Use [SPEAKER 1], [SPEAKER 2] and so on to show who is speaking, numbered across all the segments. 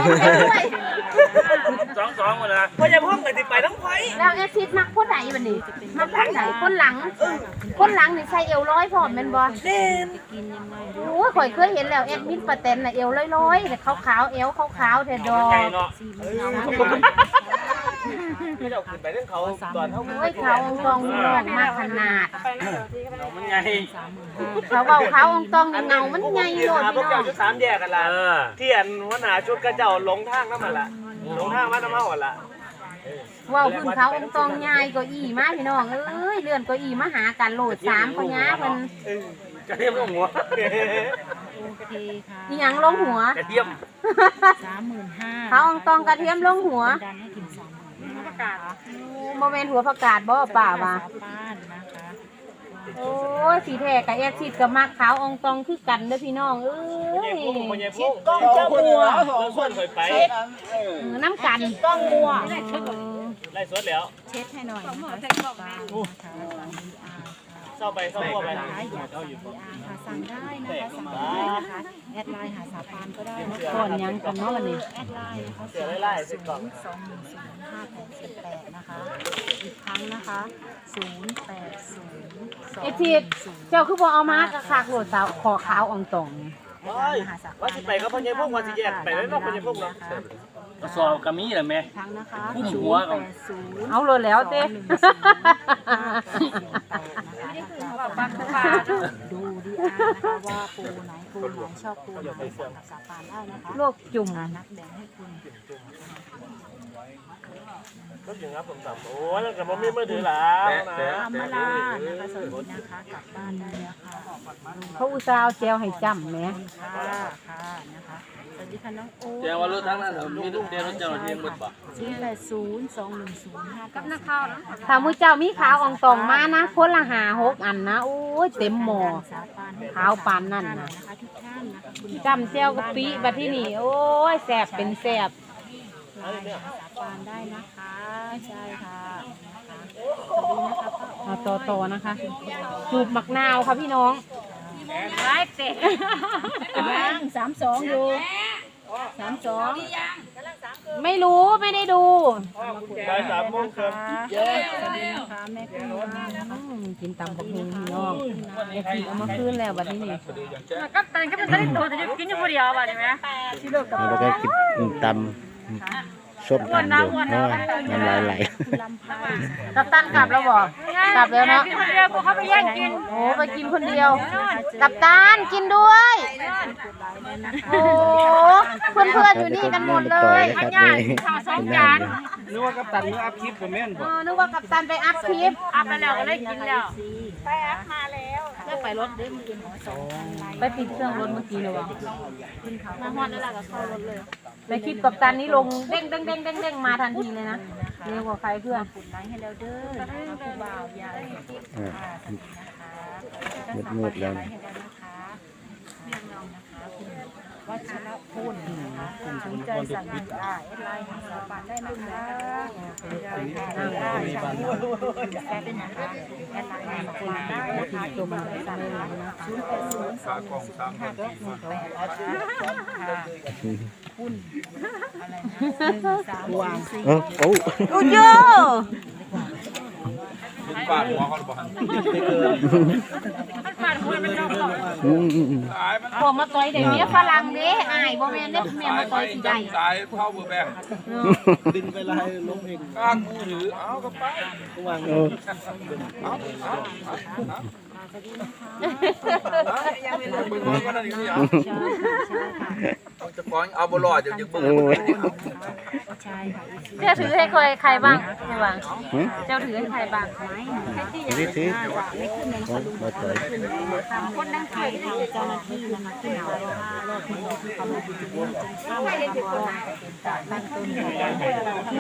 [SPEAKER 1] 2หมดละ
[SPEAKER 2] พอจะพ่อไปติดไปน้ำไฟ
[SPEAKER 3] แล้วแอซิดมักคนไหนวันนี้มักคนไหนคนหลังนี่ใส่เอวร้อยพร้อมแม่นบ่
[SPEAKER 2] เล่น
[SPEAKER 3] โอ้ยข่อยเคยเห็นแล้วแอดมินป้าแตนน่ะเอวร้อยๆแต่ขาวๆเอวขาวๆแท้ดอก
[SPEAKER 2] ไม่ได้เอาขึ้นไปเรื่องเขาตอนเขา
[SPEAKER 3] โอ้ยเขาองตองเลือดมากขนาด
[SPEAKER 1] มันไง
[SPEAKER 3] เขาเบาเขาองตองเงามันใหญ่โลด
[SPEAKER 2] พวกเจ้าชุด3แยกกันละที่อันหัวหน้าชุดกระเจ้าลงทางน้ำมันละลงทางมาน้ำมันหมดละ
[SPEAKER 3] ว้าวขึ้นเขาองตองใหญ่ก็อีมาพี่น้องเอ้ยเลื่อนก็อีมาหากันโหลด3คนย้าเพิ่น
[SPEAKER 2] กระเทียมลงหัว
[SPEAKER 4] โอเคค่ะ
[SPEAKER 3] อีหยังลงหัว
[SPEAKER 2] กระเทียม
[SPEAKER 4] 35,000
[SPEAKER 3] เขาองตองกระเทียมลงหัว
[SPEAKER 4] ดันให้ถึง30,000ประกาศ
[SPEAKER 3] โมเมนต์หัวประกาศบ่ป่าว่า
[SPEAKER 4] บ้านนะคะ
[SPEAKER 3] โอ้ยสีแท้กับแอซิดกับมักขาวองตองคือกันเด้อพี่น้องเอ้ย
[SPEAKER 2] ต้องเจ้าบัวส่วนเคยไป
[SPEAKER 3] น้ำกัน
[SPEAKER 2] ต้องบัวไล่สดแล้ว
[SPEAKER 4] เช็ดให้หน่อยนะคะ
[SPEAKER 2] เศร้าไปเศร้าบัวไป
[SPEAKER 4] ค่ะสั่งได้นะคะแอดไลน์หาสาปานก็ได้นะคะ
[SPEAKER 3] ก่อนยังกันเนาะวันนี้
[SPEAKER 4] แอดไลน์นะคะ02058นะคะอีกครั้งนะคะ080
[SPEAKER 3] ไอทิดเจ้าคือบ่เอามากระคากโหลดสาวขอขาวองตอง
[SPEAKER 2] ว่าสิไปก็พญายพวกว่าสิแยกไปแล้วนอกพญายพวกเนาะ
[SPEAKER 1] กระสอบกระมีแหละแม่
[SPEAKER 4] ครั้งนะคะ
[SPEAKER 1] หัว
[SPEAKER 3] เอาเลยแล้วเต้
[SPEAKER 4] ดูดีนะคะว่าปูไหนชอบปูไหนสั่งกับสาปานได้นะคะ
[SPEAKER 3] โลกจุ่ม
[SPEAKER 4] นักแบ่งให้คุณ
[SPEAKER 2] ก็ถึงครับผมสั่งโอ้ยแล้วกับผมมีมือถือแล้วนะ
[SPEAKER 4] ธรรมดานะคะสวัสดีนะคะกลับบ้านได้แล้วค่ะ
[SPEAKER 3] เขาอุตส่าห์เจลให้จำไหม
[SPEAKER 4] ค่ะนะคะสวัสดีค่ะน้องโอ๊
[SPEAKER 1] แจ้งว่ารถทั้งนั้นมีลูกเดียวรถเจ้าเทียงหมดป่ะ
[SPEAKER 4] 0802105กับนักข่าวนะ
[SPEAKER 3] ถ้ามือเจ้ามีขาวองตองมานะคนละ5-6อันนะโอ้ยเต็มหม้อขาวปานนั่นนะจำเจลกะปิบัดที่นี่โอ้ยแสบเป็นแสบ
[SPEAKER 4] สาปานได้นะคะใช่ค่ะ
[SPEAKER 3] เอาต่อนะคะสูบมักนาวค่ะพี่น้อง
[SPEAKER 4] ไล่เตะยัง32อยู่32
[SPEAKER 3] ไม่รู้ไม่ได้ดู
[SPEAKER 2] ได้3 โมงครับ
[SPEAKER 4] สวัสดีนะคะแม่คุณ
[SPEAKER 3] กินตำบักหุ่งพี่น้องไอ้ที่เอามาคืนแล้วบัดนี้นี่
[SPEAKER 4] กับตันก็เป็นได้โตแต่กินอยู่คนเดียวบัดนี้ไหม
[SPEAKER 5] แล้วก็กินตำส้มตำอยู่น้ำลายไหล
[SPEAKER 3] กัปตันกลับแล้วบอกกลับแล้วเนาะ
[SPEAKER 4] คนเดียวเขาไปแย่งกิน
[SPEAKER 3] โอ้ไปกินคนเดียวกัปตันกินด้วยโอ้เพื่อนๆอยู่นี่กันหมดเลย
[SPEAKER 5] อันนี้
[SPEAKER 4] ข้าว2 จาน
[SPEAKER 2] นึกว่ากัปตันนึกอัพคลิปผมแม่นบ่
[SPEAKER 3] นึกว่ากัปตันไปอัพคลิป
[SPEAKER 4] อัพไปแล้วก็ได้กินแล้วไปอัพมาแล้วได้ไปรถได้มากิน
[SPEAKER 3] ไปปิดเครื่องรถเมื่อกี้เลยวะ
[SPEAKER 4] มาฮอดแล้วล่ะก็เข้ารถเลย
[SPEAKER 3] ในคลิปกัปตันนี้ลงเด้งมาทันทีเลยนะเร็วกว่าใครเพื่อน
[SPEAKER 4] กดไลค์ให้แล้วเด้อผู้บ่าวยาย
[SPEAKER 5] มืดแล้ว
[SPEAKER 4] วัชรพลนะคะสนใจสั่งได้ไลน์หาสาปานได้นะคะได้เป็นนะคะแอดไลน์หาสาปานได้นะคะตัวมาได้สั่งได้นะคุณอะไรนะ1 3 4
[SPEAKER 5] โอ้
[SPEAKER 3] โย
[SPEAKER 2] ปาดหัวเขาหรือเปล่า
[SPEAKER 4] ปาดหัวเป็นรอบ
[SPEAKER 3] พอมาต่อยเดี๋ยวนี้ฝรั่งเด้อายบ่แม่นเด้อแม่มาต่อยสิได้
[SPEAKER 2] สายเผาเบอร์แบงดึงไปลายล้มเองก้างมือถือเอากระเป๋าวางจะฟ้องเอาบอลอดจะเบิ่ง
[SPEAKER 3] เจ้าถือให้ใครบ้างไม่บ้างเจ้าถือให้ใครบ้าง
[SPEAKER 5] นี่ถือมาต่อย
[SPEAKER 4] คนนั่งเขียนเจ้าหน้าที่นะคะที่เรารอดที่เขามาจุดนี้จนเข้ามาจากตั้งต้นที่เจ้าหน้าที่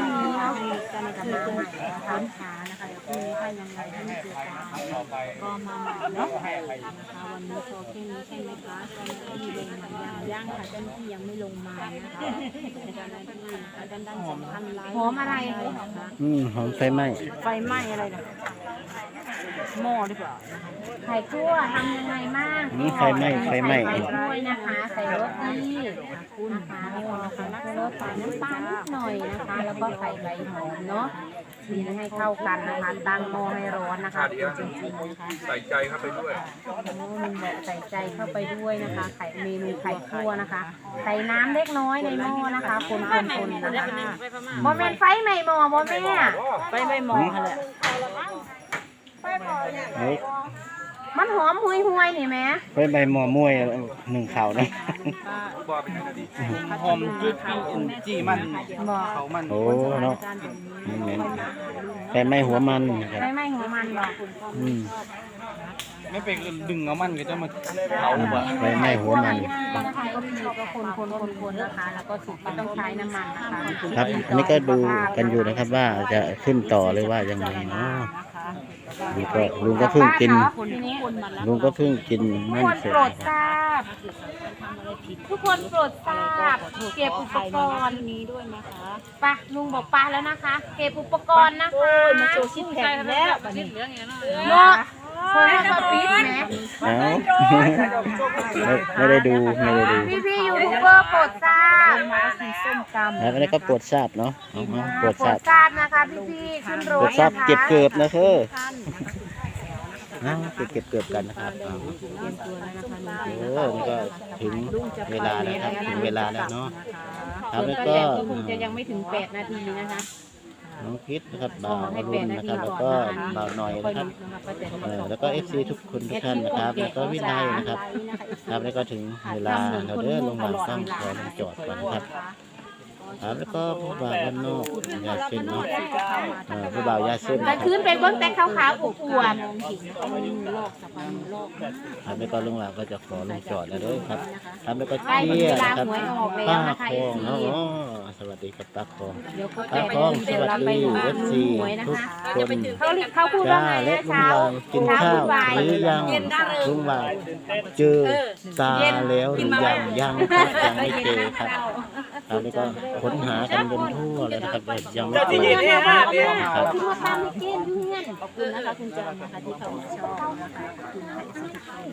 [SPEAKER 4] ค้นหานะคะเดี๋ยวพรุ่งนี้ถ้ายังไงที่ไม่เจอก็มาใหม่เนาะนะคะวันนี้โชว์แค่นี้ใช่ไหมคะเจ้าหน้าที่ลงมายังค่ะเจ้าหน้าที่ยังไม่ลงมานะคะเจ้าหน้าที่นะคะด้านสำคัญห
[SPEAKER 3] อมอะไร
[SPEAKER 5] หอมไฟไหม้
[SPEAKER 4] อะไรนะหม้อหรือเปล่า
[SPEAKER 3] ไข่คั่วทำยังไงบ้าง
[SPEAKER 5] ไฟไหม้
[SPEAKER 3] ด้วยนะคะใส่รสดีคุณนะคะรสใส่น้ำตาลนิดหน่อยนะคะ แล้วก็ใส่ใบหอมเนาะตีให้เข้ากันนะคะตั้งหม้อให้ร้อนนะคะจริงๆนะคะ
[SPEAKER 6] ใส่ใจเข้าไปด้วย
[SPEAKER 3] ลุงบอกใส่ใจเข้าไปด้วยนะคะไข่เมนูไข่คั่วนะคะใส่น้ำเล็กน้อยในหม้อนะคะคนๆนะคะโมเมนไฟใหม่หม้อโมเมนไฟใหม่หม้อค่ะแหละ
[SPEAKER 5] เฮ้ย
[SPEAKER 3] มันหอมหุยๆนี่แม่
[SPEAKER 5] ไปใบหมอมวยหนึ่งข่าวนะ
[SPEAKER 6] บอเป็นยังไงดี
[SPEAKER 1] หอมจุดจี้มัน
[SPEAKER 3] บอก
[SPEAKER 1] เขามัน
[SPEAKER 5] โอ้เนาะนี่แม่นแต่ไม่หัวมันนะครับ
[SPEAKER 3] ไฟไหม้หัวมันบอก
[SPEAKER 5] อืม
[SPEAKER 1] ไม่เป็นดึงเอามันก็จะมาเผาบ่
[SPEAKER 5] ไปไม่หัวมัน
[SPEAKER 3] นะคะก็มีก็คนๆนะคะแล้วก็สุกไม่ต้องใช้น้ำมันนะคะ
[SPEAKER 5] ครับ อันนี้ก็ดูกันอยู่นะครับว่าจะขึ้นต่อหรือว่ายังไงเนาะนี่ก็ลุงก็เพิ่งกิน ลุงก็เพิ่งกิน
[SPEAKER 3] ทุก
[SPEAKER 5] นั่น
[SPEAKER 3] คน
[SPEAKER 5] เสร็จ
[SPEAKER 3] โปรดทราบทุกคนโปรดทราบเก็บอุปกรณ์
[SPEAKER 4] นี้ด้วยนะคะ
[SPEAKER 3] ไปลุงบอกปลาแล้วนะคะ เก็บอุปกรณ์นะคะ
[SPEAKER 4] มาโชว์ชิ้นแข็งแล้วบัดนี้
[SPEAKER 3] เนาะคนมาปิดแหม
[SPEAKER 5] เอ้าไม่ได้ดูไม่ได้ดู
[SPEAKER 3] พี่ยูทูบเบอร์โปรดทราบ
[SPEAKER 4] สีส้มตำ
[SPEAKER 5] แล้วอันนี้ก็ปวดทราบเนาะเอาปวด
[SPEAKER 3] โปร
[SPEAKER 5] ทรา
[SPEAKER 3] ด
[SPEAKER 5] บ
[SPEAKER 3] ทราบนะคะพี่ขึ้นร
[SPEAKER 5] ปว
[SPEAKER 3] ถ
[SPEAKER 5] ดทราบ
[SPEAKER 3] นะคะ
[SPEAKER 5] เก็บเกือบนะคือเก็บเกือบกันนะครับเอาโอ้นี่ก็ถึงเวลาแล้วครับถึงเวลาแล้วเนาะครับแล้วก็
[SPEAKER 3] ก็คงจะยังไม่ถึง8 นาทีนะคะ
[SPEAKER 5] น้องพิษนะครับบ่าวอรุณนะครับ แล้วก็บ่าวหน่อยนะครับแล้วก็ FC ทุกคนทุกท่านนะครับ แล้วก็วินัยนะครับครับแล้วก็ถึงเวลาเราเดินลงมาต้องขอลงจอดก่อนนะครับครับแล้วก็ผู้บ่าวบ้านนอกยาเส้นเนาะผู้บ่าวยาเส้น
[SPEAKER 3] กลางคืนเป็นเบิ้งแต่ขาวๆอวบ
[SPEAKER 5] ครับแล้วก็ลุงหลานก็จะขอลงจอดแล้วด้วยครับครับแล้วก็
[SPEAKER 3] ๆใกล้
[SPEAKER 5] เชี่
[SPEAKER 3] เวย ลา
[SPEAKER 5] นะครับ
[SPEAKER 3] หวยออกแล้ว
[SPEAKER 5] ป้า
[SPEAKER 3] นะคะ
[SPEAKER 5] คองเนาะ
[SPEAKER 3] FC
[SPEAKER 5] อ๋อสวัสดีครับป้าคอง
[SPEAKER 3] เดี๋ยวครบ
[SPEAKER 5] ป้า
[SPEAKER 3] 8
[SPEAKER 5] คอง
[SPEAKER 3] นาที
[SPEAKER 5] ส
[SPEAKER 3] เดี๋ยว
[SPEAKER 5] วัส
[SPEAKER 3] เราไป
[SPEAKER 5] ดี
[SPEAKER 3] ดู
[SPEAKER 5] FC
[SPEAKER 3] หวยนะ
[SPEAKER 5] ทุก
[SPEAKER 3] คะ
[SPEAKER 5] คน
[SPEAKER 3] เขาพูดว่า
[SPEAKER 5] จ้า
[SPEAKER 3] ไง
[SPEAKER 5] และ
[SPEAKER 3] นะ
[SPEAKER 5] ลุง
[SPEAKER 3] เช้า
[SPEAKER 5] หลานกินข้าว
[SPEAKER 3] บ่าย
[SPEAKER 5] หรือยังลุงหลานเจอตาแล้วหรือยังครับยังไม่เจอครับครับนี่ก็ค้นหากันจนทั่วเลยนะครับแต่ยังไม่
[SPEAKER 2] เจ้า
[SPEAKER 5] เจ
[SPEAKER 2] ที่
[SPEAKER 5] อ
[SPEAKER 2] ยินเนี่ยฮะเนี่ย
[SPEAKER 5] ครับ
[SPEAKER 3] ที่มาตามให้กินเพื่อน
[SPEAKER 4] ขอบคุณนะคะคุณจันนะคะที่เขามาชอบนะคะขอบคุณนะคะที่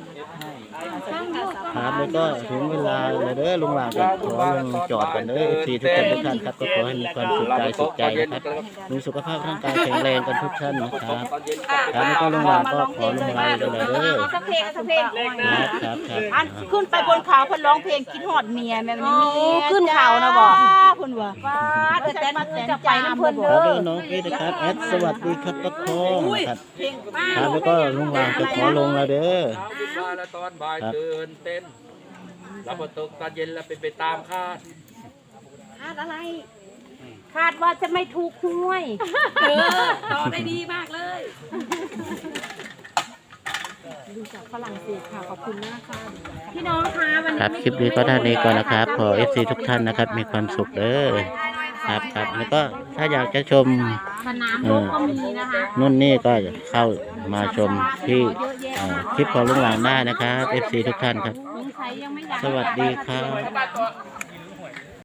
[SPEAKER 5] ครับแล้วก็ถึงเวลาเลยเด้อลุงหลานก็ขอลงจอดกันเด้อ FC ทุกคนทุกท่านครับก็ขอให้มีความสุขกายสุขใจนะครับมีสุขภาพร่างกายแข็งแรงกันทุกท่านนะครับครับแล้วก็ลุงหลานก็ขอลงไลน์ด้วยเลยเด้อ
[SPEAKER 3] สักเพลงสักเพลง
[SPEAKER 5] ครับครับ
[SPEAKER 4] อันขึ้นไปบนเขาเพิ่นร้องเพลงคิดฮอดเมียแม่มันมี
[SPEAKER 3] ขึ้นเขานะบอก
[SPEAKER 4] เพิ่นว่า
[SPEAKER 3] ฟ้าแต่มา
[SPEAKER 4] แต่
[SPEAKER 3] จะไปน้ำเพิ่น
[SPEAKER 5] ค
[SPEAKER 3] เด้
[SPEAKER 5] รับ
[SPEAKER 3] อ
[SPEAKER 5] แล้วน้องพีนะครับแอดสวัสดีครับป้าคองนะครับครับแล้วก็ลุงหลานจะขอลงแล้วเด้อ
[SPEAKER 6] มาแล้วตอนบ่ายตื่นเต้นแล้วพอตกตอนเย็นแล้วเป็นไปตามคาด
[SPEAKER 3] คาดว่าจะไม่ถูกหวย
[SPEAKER 7] ต่อได้ดีมากเลย
[SPEAKER 4] ดูจากฝรั่งเศสค่ะขอบคุณมากค่ะ
[SPEAKER 3] พี่น้องคะวัน
[SPEAKER 5] ค
[SPEAKER 3] นี้
[SPEAKER 5] รับคลิปนี้ก็เท่านี้ก่อนนะครับขอ FC ทุกท่านนะครับมีความสุขเด้อครับครับแล้วก็ถ้าอยากจะชม
[SPEAKER 3] สนามรบก็มีนะคะ
[SPEAKER 5] นู่นนี่ก็เข้ามาชมที่คลิปของลุงหลานได้นะครับ FC ทุกท่านครับ
[SPEAKER 3] สงสัยยังไม่อยาก
[SPEAKER 5] สวัสดีครับ
[SPEAKER 3] บ